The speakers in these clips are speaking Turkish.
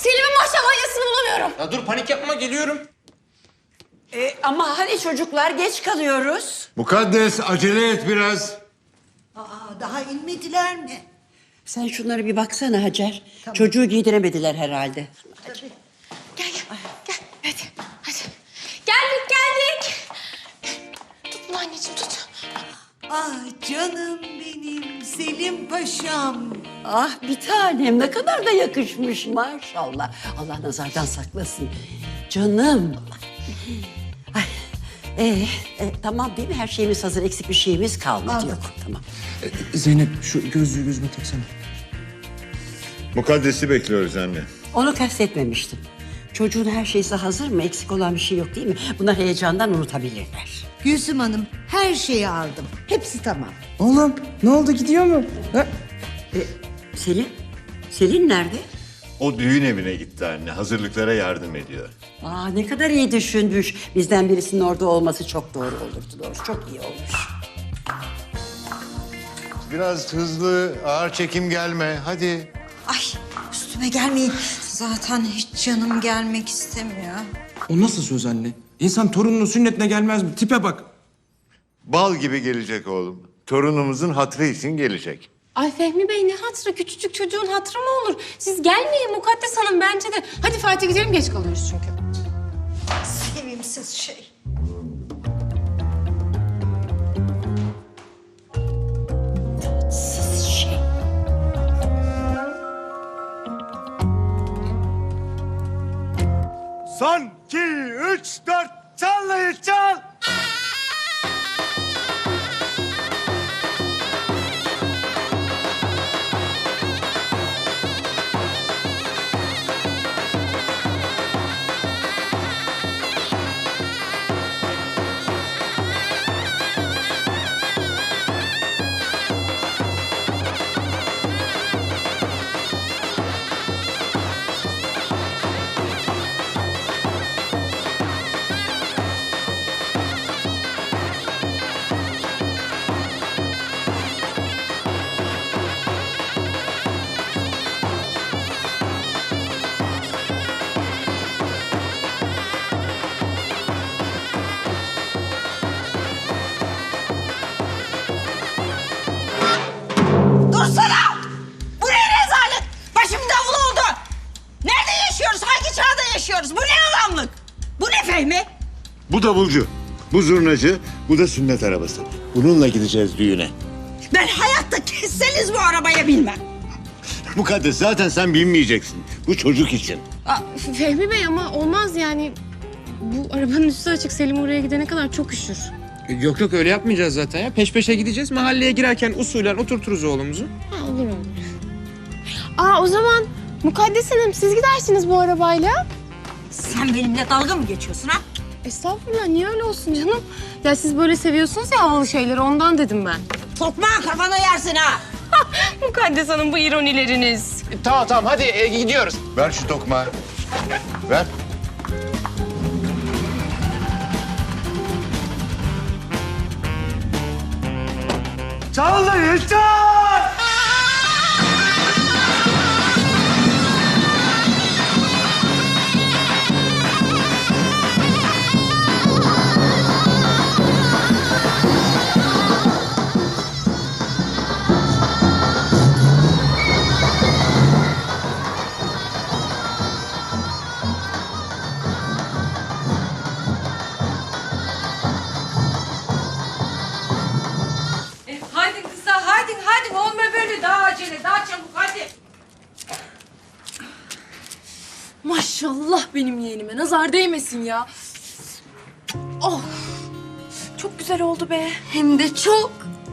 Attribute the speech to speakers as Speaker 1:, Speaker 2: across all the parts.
Speaker 1: Selim'in maşallah bulamıyorum.
Speaker 2: Ya dur panik yapma geliyorum.
Speaker 3: Ama hani çocuklar geç kalıyoruz.
Speaker 4: Mukaddes acele et biraz.
Speaker 5: Daha inmediler mi?
Speaker 3: Sen şunlara bir baksana Hacer. Çocuğu giydiremediler herhalde.
Speaker 1: Gel. Hadi. Geldik. Tut bunu anneciğim tut.
Speaker 5: Ah canım benim Selim Paşam.
Speaker 3: Ah bir tanem ne kadar da yakışmış maşallah. Allah nazardan saklasın. Canım. Ay, tamam değil mi? Her şeyimiz hazır. Eksik bir şeyimiz kalmadı. Yok tamam.
Speaker 2: Zeynep şu gözlüğü gözüme taksana.
Speaker 4: Mukaddes'i bekliyoruz anne.
Speaker 3: Onu kastetmemiştim. Çocuğun her şeysi hazır mı? Eksik olan bir şey yok değil mi? Bunlar heyecandan unutabilirler.
Speaker 5: Gülsüm Hanım her şeyi aldım. Hepsi tamam.
Speaker 2: Oğlum ne oldu gidiyor mu? Ha?
Speaker 3: Selin? Selin nerede?
Speaker 4: O düğün evine gitti anne. Hazırlıklara yardım ediyor.
Speaker 3: Aa ne kadar iyi düşünmüş. Bizden birisinin orada olması çok doğru olurdu doğrusu. Çok iyi olmuş.
Speaker 4: Biraz hızlı, ağır çekim gelme. Hadi.
Speaker 6: Ay üstüme gelmeyin. Zaten hiç canım gelmek istemiyor.
Speaker 2: O nasıl söz anne? İnsan torununun sünnetine gelmez mi? Tipe bak.
Speaker 4: Bal gibi gelecek oğlum. Torunumuzun hatırı için gelecek.
Speaker 1: Ay Fehmi Bey ne hatırı? Küçücük çocuğun hatırı mı olur? Siz gelmeyin Mukaddes Hanım bence de. Hadi Fatih gidelim geç kalıyoruz çünkü.
Speaker 6: Sevimsiz şey.
Speaker 3: Siz şey.
Speaker 4: Son, 2, 3, 4. Çallayın çal.
Speaker 6: Dursana! Bu ne rezalet? Başım davul oldu. Nerede yaşıyoruz? Hangi çağda yaşıyoruz? Bu ne adamlık? Bu ne Fehmi?
Speaker 4: Bu davulcu, bu zurnacı, bu da sünnet arabası. Bununla gideceğiz düğüne.
Speaker 6: Ben hayatta kesseniz bu arabaya binmem.
Speaker 4: Mukaddes zaten sen binmeyeceksin. Bu çocuk için.
Speaker 1: Aa, Fehmi Bey ama olmaz yani. Bu arabanın üstü açık. Selim oraya gidene kadar çok üşür.
Speaker 2: Yok öyle yapmayacağız zaten ya. Peş peşe gideceğiz. Mahalleye girerken usulen oturturuz oğlumuzu.
Speaker 1: Ha, olur. O zaman Mukaddes Hanım siz gidersiniz bu arabayla.
Speaker 6: Sen benimle dalga mı geçiyorsun ha?
Speaker 1: Estağfurullah niye öyle olsun canım? Ya siz böyle seviyorsunuz ya havalı şeyleri ondan dedim ben.
Speaker 6: Tokmağı kafana yersin ha.
Speaker 1: Mukaddes Hanım bu ironileriniz.
Speaker 2: Tamam hadi gidiyoruz.
Speaker 4: Ver şu tokmağı. Ver. Çallayın çal!
Speaker 6: Hadi kısa hadi olma böyle daha acele daha çabuk hadi.
Speaker 1: Maşallah benim yeğenime nazar değmesin ya. Oh çok güzel oldu be. Hem de çok.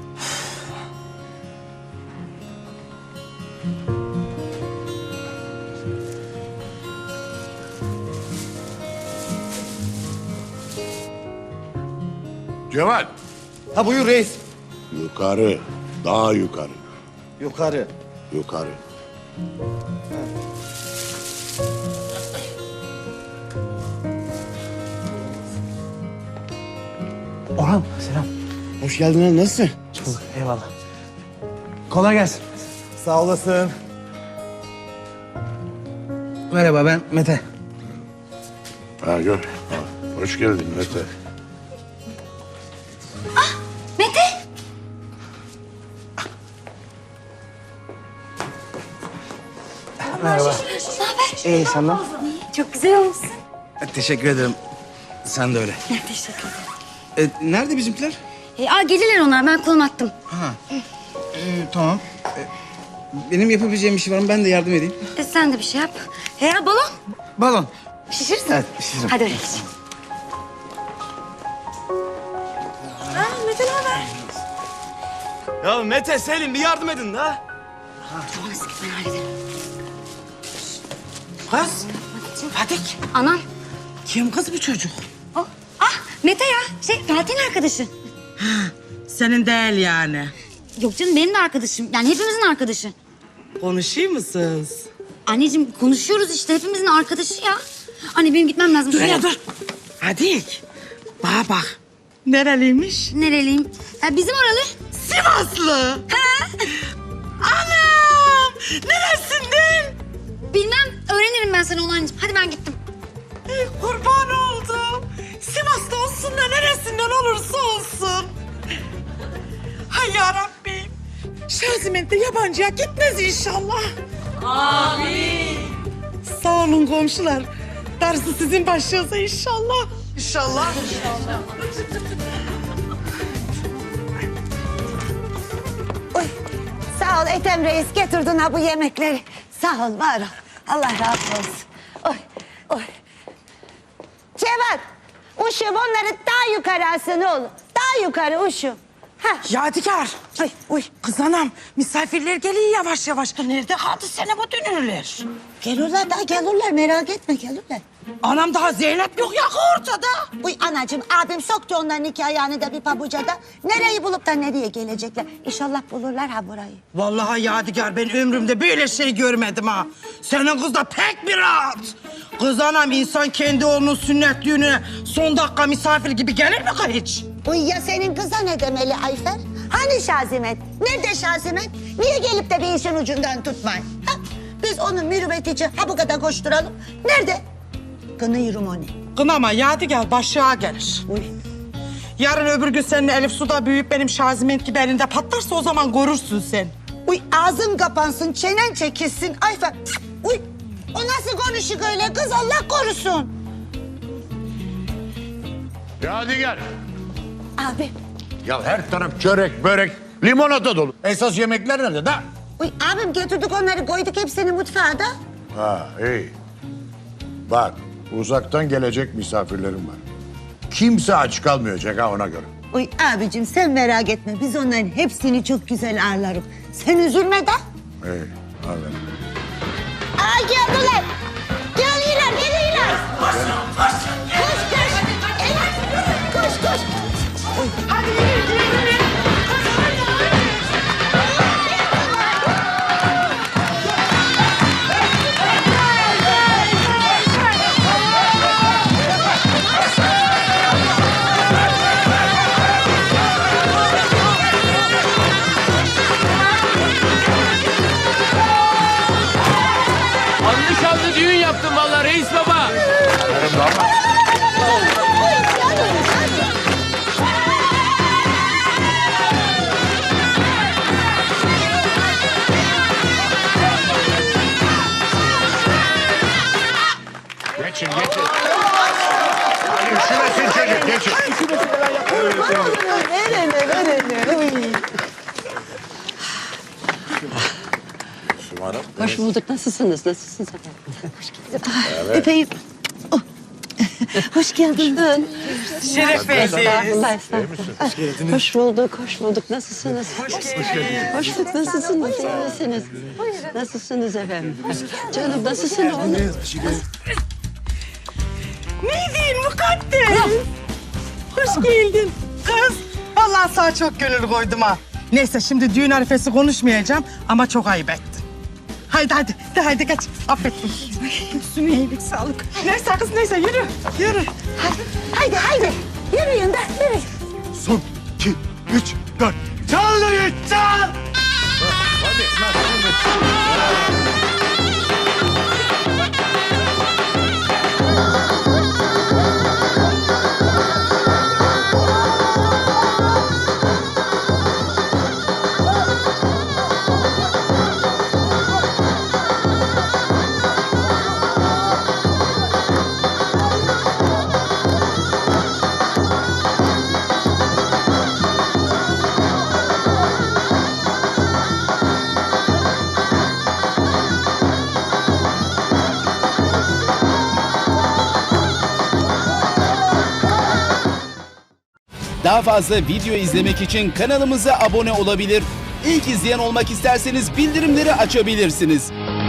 Speaker 4: Cemal.
Speaker 7: Ha buyur reis.
Speaker 4: Yukarı. Daha yukarı.
Speaker 7: Yukarı.
Speaker 4: Yukarı.
Speaker 7: Orhan selam.
Speaker 2: Hoş geldin oğlum nasılsın?
Speaker 7: Çok eyvallah. Kolay gelsin. Sağ olasın. Merhaba, ben Mete.
Speaker 4: Ha gör. Ha, hoş geldin Mete.
Speaker 8: Mete!
Speaker 7: Merhaba. İyi, senden?
Speaker 8: Çok güzel olmuşsun.
Speaker 7: Teşekkür ederim. Sen de öyle.
Speaker 8: Teşekkür ederim.
Speaker 7: Nerede bizimkiler?
Speaker 8: Gelirler onlar. Ben konum attım.
Speaker 7: Tamam. Benim yapabileceğim bir şey var mı? Ben de yardım edeyim.
Speaker 8: Sen de bir şey yap. Balon.
Speaker 7: Balon.
Speaker 8: Şişirsin.
Speaker 7: Evet, şişiririm.
Speaker 8: Hadi öyle geçelim. Mete ne haber?
Speaker 9: Ya Mete, Selin bir yardım edin ha.
Speaker 8: Tamam sıkı ben hallederim.
Speaker 6: Kız, Fadik.
Speaker 8: Anam.
Speaker 6: Kim kız bu çocuk?
Speaker 8: Mete ya. Fatih'in arkadaşı.
Speaker 6: Senin değil yani.
Speaker 8: Yok canım benim de arkadaşım. Yani hepimizin arkadaşı.
Speaker 6: Konuşuyor musunuz?
Speaker 8: Anneciğim konuşuyoruz işte. Hepimizin arkadaşı ya. Anne benim gitmem lazım.
Speaker 6: Dur ya dur. Fadik, bana bak. Nereliymiş?
Speaker 8: Nereliyim? Bizim oralı.
Speaker 6: Sivaslı. Anam! Neresinden?
Speaker 8: Bilmem. Öğrenirim ben sana onu anneciğim. Hadi ben gittim.
Speaker 6: Kurban oldum. Sivas'ta olsun da neresinden olursa olsun. Hay yarabbim. Şazimen de yabancıya gitmez inşallah. Amin. Sağ olun komşular. Darısı sizin başınıza inşallah. İnşallah.
Speaker 5: Oy, sağ ol Ethem Reis getirdin ha bu yemekleri. Sağ ol var ol. Allah razı olsun. Oy, oy. Cevat, uşum onları daha yukarı alsın oğlum. Daha yukarı uşum. Ha.
Speaker 6: Yadigar.
Speaker 5: Ay, uy.
Speaker 6: Kız anam, misafirler geliyor yavaş yavaş. Nerede kaldı sene bu dönürler?
Speaker 5: Gelirler daha gelirler merak etme gelirler.
Speaker 6: Anam daha Zeynep yok ya ortada.
Speaker 5: Uy anacığım abim soktu onların iki ayağını da bir pabucada. Nereyi bulup da nereye gelecekler? İnşallah bulurlar ha burayı.
Speaker 6: Vallahi Yadigar ben ömrümde böyle şey görmedim ha. Senin kız da pek bir rahat. Kız anam insan kendi oğlunun sünnet düğününe son dakika misafir gibi gelir mi kız hiç?
Speaker 5: Uy ya senin kıza ne demeli Ayfer? Hani Şazimet? Nerede Şazimet? Niye gelip de bir işin ucundan tutmayın? Ha? Biz onun mürüvvet için ha bu kadar koşturalım. Nerede? Kınıyorum onu.
Speaker 6: Kınama Yadigar başlığa gelir.
Speaker 5: Uy.
Speaker 6: Yarın öbür gün senin Elif suda büyüyüp benim Şaziment gibi elinde patlarsa o zaman görürsün sen.
Speaker 5: Uy ağzın kapansın, çenen çekilsin Ayfer. Uy o nasıl konuşuk öyle kız Allah korusun.
Speaker 4: Ya hadi gel.
Speaker 5: Abi.
Speaker 4: Ya her taraf çörek, börek, limonata dolu. Esas yemekler nerede da?
Speaker 5: Uy abim getirdik onları koyduk hepsini mutfağa da.
Speaker 4: Ha iyi. Bak uzaktan gelecek misafirlerim var. Kimse aç kalmayacak ha ona göre.
Speaker 5: Uy abicim sen merak etme biz onların hepsini çok güzel ağırlarız. Sen üzülme de.
Speaker 4: İyi hadi.
Speaker 5: Aa geldiler. Geliyorlar geliyorlar. Koş koş. Evet koş koş.
Speaker 6: Hadi yürü yürü.
Speaker 2: Anlı şanlı düğün yaptım vallahi reis baba.
Speaker 4: Geçin geçin. Hadi üşümesin çocuk geçin. Şumarım.
Speaker 3: Hoş bulduk. Nasılsınız? Nasılsınız efendim?
Speaker 5: Öpeyim. Oh. Hoş geldin.
Speaker 6: Şeref verdiniz.
Speaker 3: Estağfurullah, estağfurullah. Hoş bulduk, hoş bulduk. Nasılsınız? Hoş geldiniz. Hoş bulduk. Nasılsınız? İyi misiniz? Nasılsınız efendim? Canım nasılsın oğlum?
Speaker 6: Ne diyeyim mukaddes? Hoş geldin. Kız, vallahi sana çok gönül koydum ha. Neyse şimdi düğün arifesi konuşmayacağım ama çok ayıp ettin. Haydi hadi, de haydi kaç. Affettim. Üstüne iyilik, sağlık. Neyse kız neyse yürü, yürü.
Speaker 5: Haydi haydi. Yürüyün de yürüyün.
Speaker 4: Son, 2, 3, 4. Çal dayı çal. Hadi.
Speaker 9: Daha fazla video izlemek için kanalımıza abone olabilir. İlk izleyen olmak isterseniz bildirimleri açabilirsiniz.